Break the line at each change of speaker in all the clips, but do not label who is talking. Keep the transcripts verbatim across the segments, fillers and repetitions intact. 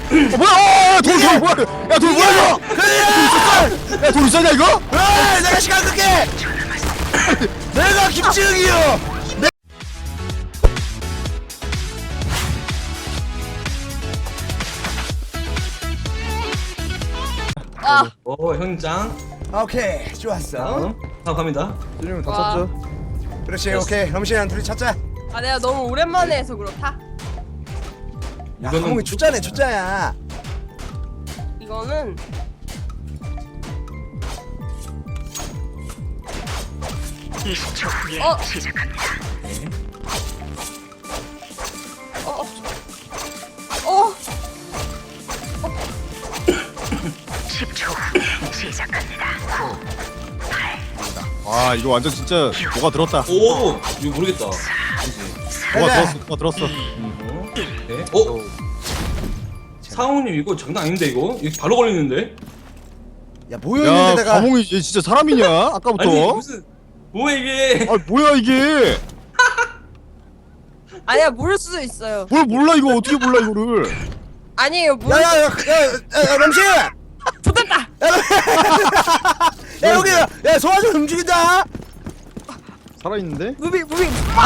뭐야? 돌, 돌 뭐야? 야, 돌 뭐야 이거?
그래!
야, 돌 있었냐 이거?
아, 내가 시간 끌게! 내가 김치흥이요!
아,
오 현장.
오케이, 좋았어.
다음 다음 갑니다.
준영이 다
와.
쳤죠?
그렇지, 오케이. 럼씨랑 둘이 찾자.
아 내가 너무 오랜만에 해서 그렇다.
야,
이거는
하몽이 초짜네, 초짜야.
이거는
이십 초 후에
어.
시작합니다.
어, 어,
십 초 후에 시작합니다. 구,
아, 이거 완전 진짜 뭐가 들었다.
오 이거 모르겠다.
뭐가
가자.
들었어, 뭐가 들었어.
어? 네. 어? 사원님 이거 장난 아닌데 이거? 이거 바로 걸리는데?
야, 모여
야,
있는 데다가.
과몽이 얘 진짜 사람이냐? 아까부터.
아니 무슨 뭐야 이게?
아, 뭐야 이게?
아니야 모를 수도 있어요.
뭘 몰라 이거 어떻게 몰라 이거를?
아니에요 모를.
야, 야, 야, 야, 야, 야, 럼씨! 야,
좋됐다.
야, 여기, 야, 소화 좀 움직인다!
살아있는데?
무비 무비.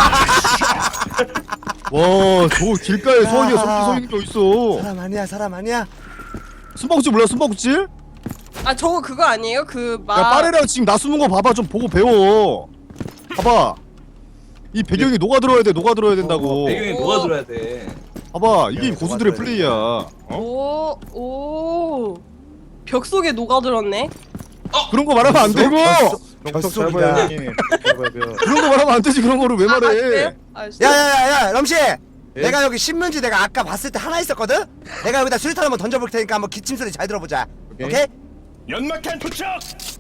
와, 저 길가에 소화기가
야.
저렇게 서 있는 게 어딨어?
사람 아니야, 사람 아니야.
숨바꼭질 몰라 숨바꼭질?
아 저거 그거 아니에요? 그 막.
야, 빠레랑 지금 나 숨은 거 봐봐. 좀 보고 배워. 봐봐. 이 배경이 녹아들어야 돼. 녹아들어야 된다고.
배경에
오.
뭐가 들어야 돼?
봐봐. 이게
야,
고수들의
녹아들어야
플레이야. 어?
오, 오. 벽 속에 녹아들었네.
그런 거 말하면 안 되고.
벽속이다.
그런 거 말하면 안 되지. 그런 거를 왜
아,
말해?
그래요? 아, 진짜?
야, 야, 야, 야, 럼씨! 내가 여기 신문지 내가 아까 봤을 때 하나 있었거든? 내가 여기다 수류탄 한번 던져볼 테니까 한번 기침 소리 잘 들어보자. 오케이?
오케이.
연막탄 투척!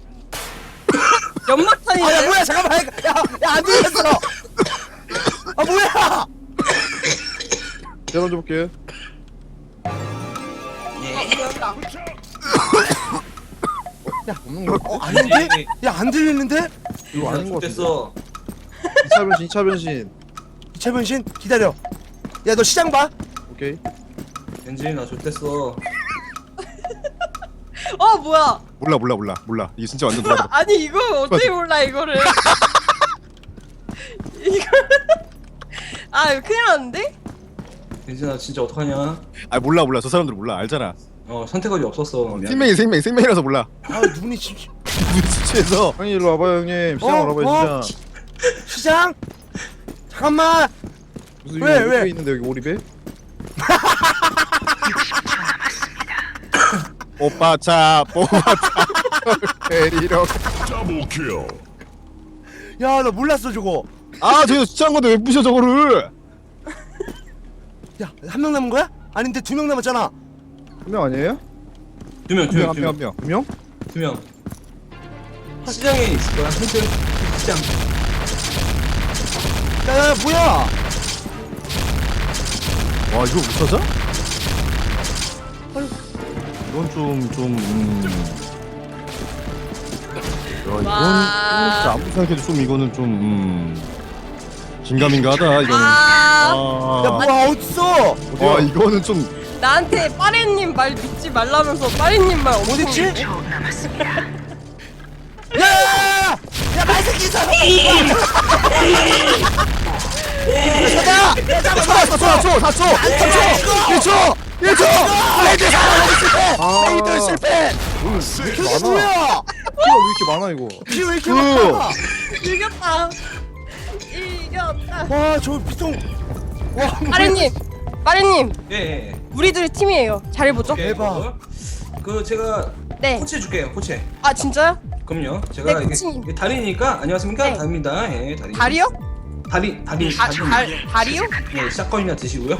연막탄이네.
아, 야, 뭐야, 잠깐만. 야, 야, 안 들렸어! 아, 뭐야!
제가 먼저 볼게.
어, 아닌데? 야, 안 들리는데?
이거 아닌 것 됐어.
이차 변신, 이차 변신.
최변신 기다려. 야, 너 시장 봐.
오케이.
엔진이나 좋댔어.
어 뭐야?
몰라 몰라 몰라 몰라. 이게 진짜 완전 녹아들어.
아니 이거 어떻게 몰라 이거를? 이거 아 이거 큰일 났는데?
엔진아 진짜 어떡하냐?
아 몰라 몰라. 저 사람들 몰라. 알잖아.
어 선택하기 없었어. 미안.
생명이 생명 생명이라서 몰라.
아, 눈이 진
눈 수치해서.
형님 일로 와봐요 형님. 시장
어?
와봐요
어?
시장.
시장? 잠깐만.
무슨
왜,
여기
왜?
오리배 있는데 여기 오리배?
오빠 차 뽑아차 데리러.
더블킬!
야, 나 몰랐어 저거.
아 저거 수치한 건데 왜 부셔 저거를?
야, 한 명 남은 거야? 아닌데 두 명 남았잖아.
한 명 아니에요?
두 명, 두 명,
한
두
명 한
명,
명.
두 명?
두 명. 시장에 있을 거야. 현재 시장.
야, 야, 뭐야?
와 이거 못 찾아? 이건 좀좀 음. 야 이건
와.
진짜 아무리 생각해도 좀 이거는 좀 음. 긴가민가하다 이거는.
아
야,
아,
뭐야, 어딨어?
와 이거는 좀
나한테 빠레님 말 믿지 말라면서 빠레님 말 엄청
어딨지?
믿네?
초 남았습니다.
야, 야, 야, 야, 야, 말새끼 있어. 가자.
사 초, 사 초, 사 초, 삼 초, 일 초, 일 초. 레이드
아.
레이드 실패.
왜 이렇게
이게
많아?
뭐야?
피가 왜 이렇게 많아 이거?
피 왜 이렇게
그.
많아?
이겼다. 이겼다.
와, 저 피통. 와,
빠레님, 빠레님,
예, 예.
우리들 팀이에요. 잘해보죠.
오케이,
대박.
뭐. 그 제가
네.
코치 해줄게요. 코치.
아 진짜요?
그럼요. 제가
네,
이게,
코치님.
이게 달이니까 안녕하십니까?
네.
달입니다. 예, 달이.
다리요?
달이, 달이,
다,
달이.
달, 다리요?
네, 샷건이나 드시고요.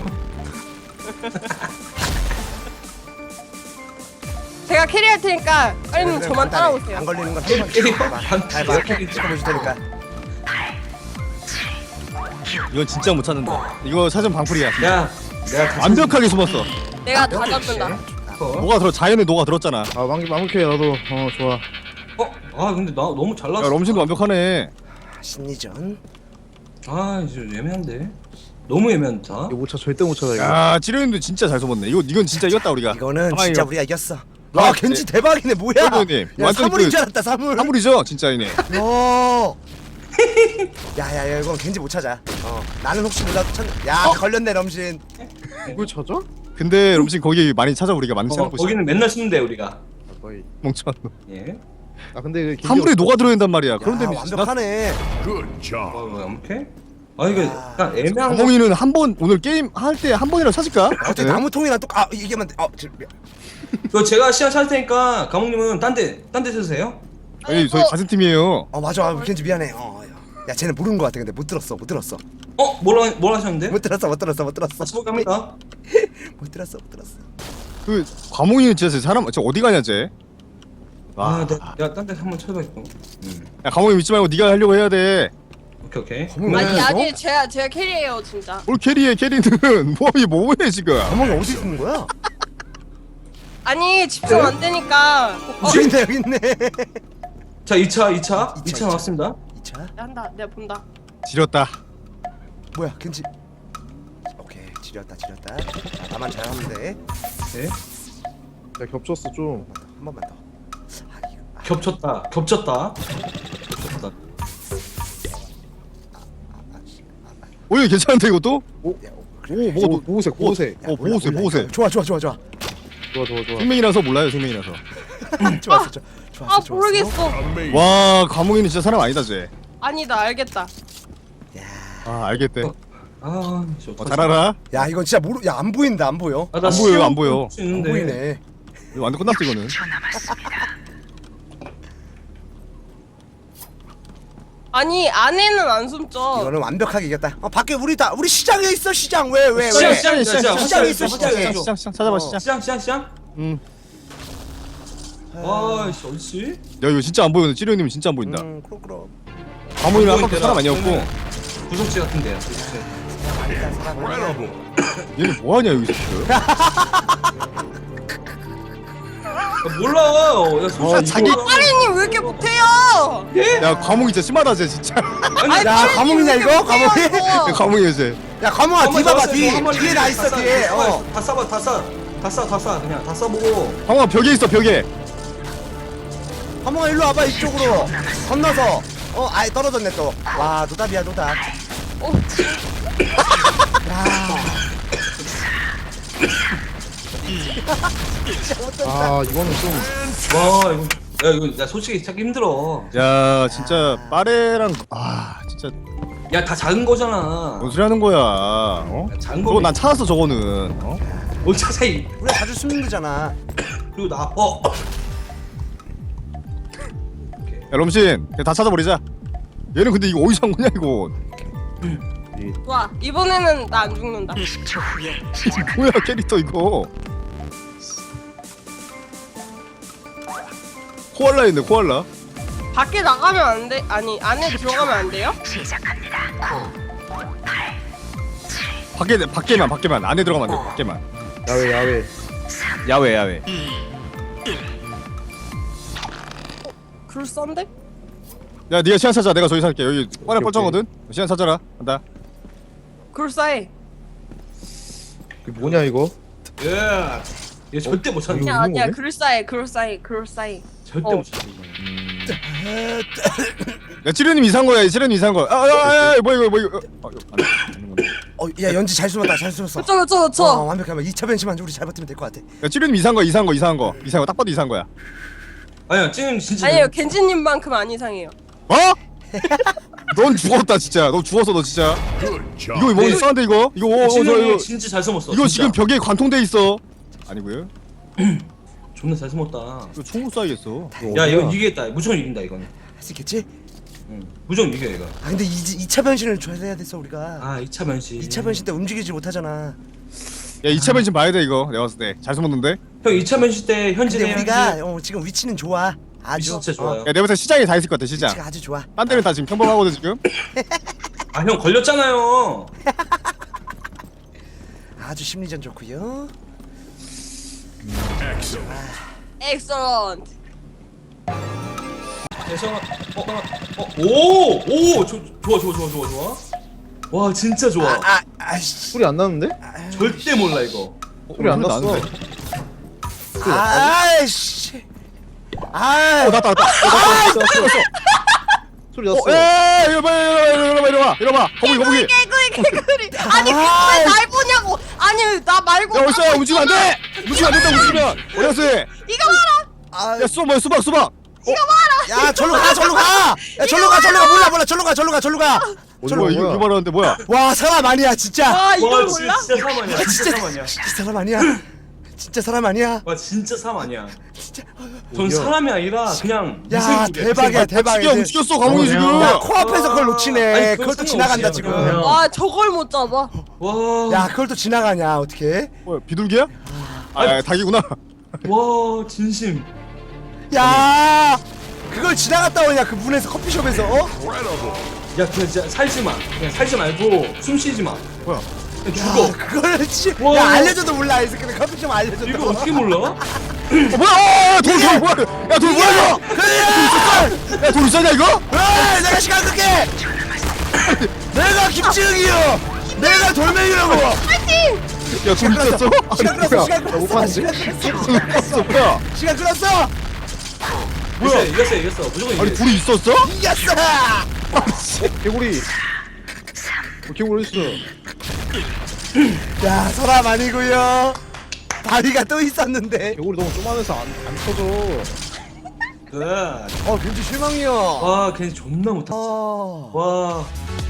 제가 캐리할 테니까 빠레님 저만 따라오세요.
안 걸리는 건
캐리,
한번
캐리,
찍어봐.
반,
잘
내가
봐.
캐리
찍어보실 테니까.
이건 진짜 못 찾는다. 이거 사전 방풀이야.
야, 내가 다
완벽하게 숨었어.
내가 다 잡는다.
찾았어.
뭐가 들어 자연에 녹아 들었잖아.
아 왕기 마무케 나도 어 좋아.
어? 아 근데 나 너무 잘
야
나왔어.
럼신도 완벽하네.
심리전.
아 이제 애매한데. 너무 애매한다.
이거 못 차, 절대 못 찾아 이거.
야 찌르님도 진짜 잘 숨었네. 이거 이건 진짜 이겼다 우리가.
이거는
가만히
진짜
이거.
우리가 이겼어.
아,
와 겐지 대박이네 뭐야?
찌르님
야
완전
사물인
그
줄 알았다 사물.
사물이죠 진짜 이네.
어. 야야야 이건 겐지 못 찾아. 어 나는 혹시 몰라도 찾. 야 걸렸네 럼신.
이걸 찾아?
근데 럼신 거기 많이 찾아 우리가 많이
어,
찾아보고 있어.
거기는 맨날 쓰는데 우리가.
아, 거의.
멍청한 놈.
예.
아 근데 그 김기
사물이
없-
녹아 들어있단 말이야.
야
그런 데는
완벽하네.
Good job.
어, 뭐 이렇게? 아 이거 약간 애매한 거.
강몽이는 한 번 오늘 게임 할 때 한 번이라도 찾을까?
어떻게
네.
나무통이랑 똑아 이게만 어 저,
그 제가 시간 찾을 테니까 감독님은 딴데딴 데 쓰세요.
아니 저희 같은 팀이에요.
어 맞아 아, 겐지 미안해. 어 야. 야 쟤는 모르는 거 같아 근데 못 들었어 못 들었어
어 뭐라 뭘 하셨는데?
못 들었어 못 들었어 못 들었어
같이 볼까 합니다.
못 들었어 못 들었어.
그 과몽이는 진짜 사람 저 어디 가냐 쟤? 와,
아, 내가, 내가 딴 데 한번 찾아봐야겠다. 음.
야 과몽이 믿지 말고 네가 하려고 해야 돼.
오케이 오케이.
거몽이
아니
어디 있어?
아니 제가 제가 캐리해요 진짜.
뭘 캐리해 캐리는 뭐이 뭐해 지금?
거몽이 어디 있는 거야?
아니 집중 안 되니까. 어,
여기 있네 여기 있네.
자 이 차 이 차
이
이
차,
차 나왔습니다.
이 차
한다 내가 본다.
지렸다.
뭐야 겐지. 오케이 지렸다 지렸다. 자 나만 잘하면 돼.
네.
야 겹쳤어 좀.
한 번만 더. 아 이거 아,
겹쳤다 겹쳤다. 겹쳤다.
오늘 괜찮은데 이것도?
야, 어, 그래.
오 뭐가
보,
또
보호색 보호색.
어
몰라,
보호세
몰라,
보호세.
이거. 좋아 좋아 좋아 좋아.
좋아 좋아 좋아.
생명이라서 몰라요 생명이라서.
좋았어 좋아. 좋았어
아
좋았어.
모르겠어.
Amazing.
와 과몽이는 진짜 사람 아니다 쟤.
아니다 알겠다.
아 알겠대.
아, 씨,
어, 잘 알아.
야 이건 진짜 모르. 야 안 보인다 안 보여.
아, 나
안 보여요,
시험
안 보여.
볼수
안
있는데.
보이네.
이거 완전 끝났어 이거는.
초 남았습니다.
아니 안에는 안 숨죠.
이거는 완벽하게 이겼다. 어 밖에 우리 다 우리 시장에 있어 시장 왜 왜 왜?
시장, 시장, 시장, 시장,
시장에 있어
시장,
시장에.
시장,
시장 시장 찾아봐
어.
시장.
시장 시장 시장.
음.
아씨 어디지?
야 이거 진짜 안 보이는데 찌르님은 진짜 안 보인다.
음 그럼 그럼.
과몽이는
안
아까부터 사람
보이더라.
아니었고.
구석지 같은데요. 구석지.
아니다 사람.
Incredible.
얘는 뭐하냐 여기서 지금.
아, 몰라. 야 솔직히
아, 자기-
이거-
파리님 왜 이렇게 못해요?
야 과몽이 진짜 심하다 쟤 진짜.
아니
야 과몽이냐 이거 과몽이?
못해요.
과몽이야 쟤.
야 과몽아
한번
뒤 봐봐
잡았어요.
뒤
한번
뒤에 나 있어
다
뒤에.
싸,
어.
다 싸봐 다 싸. 다 싸, 다 싸, 그냥 다 싸보고.
과몽아 벽에 있어 벽에.
과몽아 일로 와봐 이쪽으로. 건너서. 어 아예 떨어졌네 또. 와 노답이야 노답.
어,
아 이거는 좀.
와 이거 야 이거 나 솔직히 찾기 힘들어.
야 진짜 빠레랑 아 진짜
야 다 작은 거잖아.
뭔 소리 하는 거야. 어?
야, 작은
저거
거.
난 찾았어 저거는. 어?
뭘 찾아 이.
우리가 자주 숨는 데잖아.
그리고 나 어.
야 럼신 그냥 다 찾아버리자. 얘는 근데 이거 어디서 한 거냐 이거.
좋아 이번에는 나 안 죽는다.
이십 초 후에
뭐야 캐릭터 이거. 코알라 있네 코알라.
밖에 나가면 안 돼? 아니 안에 들어가면 안 돼요?
시작합니다. 구, 팔,
밖에 밖에만 밖에만 안에 들어가면 안 돼. 밖에만.
야외 야외.
야외 야외.
그럴싸한데?
야 네가 시간 찾아. 내가 저기 살게. 여기 뻔해 뻘쩡거든. 시간 찾아라. 간다.
그럴싸해.
그 뭐냐 이거?
예. 얘 절대 못 찾는
이거
아니야
있는
아니야
거네?
그럴싸해 그럴싸해 그럴싸해.
절대
어.
못 찾는 거야.
야 찌르님 이상한 거야. 찌르님 이상한 거야. 아야야 뭐야 이거 뭐 이거. 아, 이거 안 돼. 안 되는 건데.
어야 연지 잘 숨었다 잘 숨었어.
그쵸 그쵸 그쵸.
어 완벽하면 이 차 변신만 우리 잘 버티면 될 것 같아.
야 찌르님 이상한 거 이상한 거 이상한 거 이상한 거 딱 봐도 이상한 거야.
아니야 찌는 진짜.
아니에요 겐지님만큼 안 이상해요.
어? 넌 죽었다 진짜. 너 죽었어 너 진짜.
Good job.
이거 뭐
네.
이상한데 이거? 이거 어, 어, 저,
찌는
이거
진짜 잘 숨었어.
이거
진짜.
지금 벽에 관통돼 있어. 아니고요.
존나 잘 숨었다.
이거 총으로 쏴야겠어.
야 이거 이기겠다. 무조건 이긴다 이거는.
할 수 있겠지?
응. 무조건 이겨 이거.
아 근데 이 차 변신을 줘야 됐어 우리가.
아 이 차 변신.
이 차 변신 때 움직이지 못하잖아.
야 이 차 변신 봐야 돼 이거. 내가 봤을 때 잘 숨었는데.
형 이 차 변신 때 현진의
근데 우리가 어, 지금 위치는 좋아. 아주
진짜 좋아요.
야 내가 봤을 때 시장에 다 있을 것 같아 시장.
위치가 아주 좋아.
딴 데는 다 지금 평범하거든 지금.
아 형 걸렸잖아요.
아주 심리전 좋고요.
Excellent.
엑셀런트.
그래서 어어오오 좋아 좋아 좋아 좋아 좋아. 와 진짜 좋아.
아, 아이씨.
소리 안 나는데?
절대 몰라 이거.
소리 안 났어.
나는데?
아이씨. 아,
어 났다 났다.
소리
어,
났어.
에 이리 봐 이리 봐 이리 봐 이리 봐 거북이 거북이.
개구리 개구리. 아니
아,
왜 날 보냐고. 아니 나 말고.
야 어디서 움직이면 안 돼. 움직이면 안 된다 움직이면. 어디 갔어?
이거 봐라.
아,
야 수박 뭐야 수박 수박.
야, 절로 가, 절로 가. 야, 절로 가, 절로 가. 몰라, 몰라. 절로 가, 절로 가, 절로 가.
뭐야 이거 이거 말하는데 뭐야?
와, 사람 아니야, 진짜.
아 이걸
와 진짜,
몰라?
진짜 사람 아니야. 진짜 사람 아니야.
진짜 사람 아니야. 진짜 사람 아니야.
와 진짜 사람 아니야.
진짜.
전 사람이 아니라 그냥
야,
미생물이야,
대박이야,
미생물.
대박이야.
지가 움직였어 감옥이 지금.
야, 코앞에서 그걸 놓치네.
아니,
그걸 또
그건
지나간다,
상관없이
지금.
그냥.
아 저걸 못 잡아.
와.
야, 그걸 또 지나가냐, 어떻게?
뭐야 비둘기야? 아 닭이구나.
와 진심.
야, 그걸 지나갔다 오냐, 그 문에서 커피숍에서, 어?
야 그냥 진짜 살지 마. 그냥 살지 말고 숨 쉬지 마.
뭐야?
그냥
야,
죽어.
그걸 지,
와.
야, 알려줘도 몰라, 이 새끼는 커피숍 알려줘도.
이거 어떻게 몰라?
어 뭐야? 돌돌 뭐야? 야돌 뭐야 이거?
그래!
야돌 있었냐 이거?
에이, 내가 시간 끌게! 내가 김치흥이요! 내가 돌멩이라고!
야돌 있었어?
시간
아니,
끌었어,
뭐야?
시간 끌었어,
봤는데?
시간 끌었어!
있었어 뭐야?
시간 끌었어!
뭐야? 이겼어 이겼어 무조건
아니
이겼어.
둘이 있었어?
이겼어!
개구리. 어, 개구리 어딨어?
야, 사람 아니고요. 다리가 또 있었는데.
개구리 너무 쪼만해서 안, 안 터져.
그.
어, 민주 실망이요.
와 걔네 존나 못하.
어.
와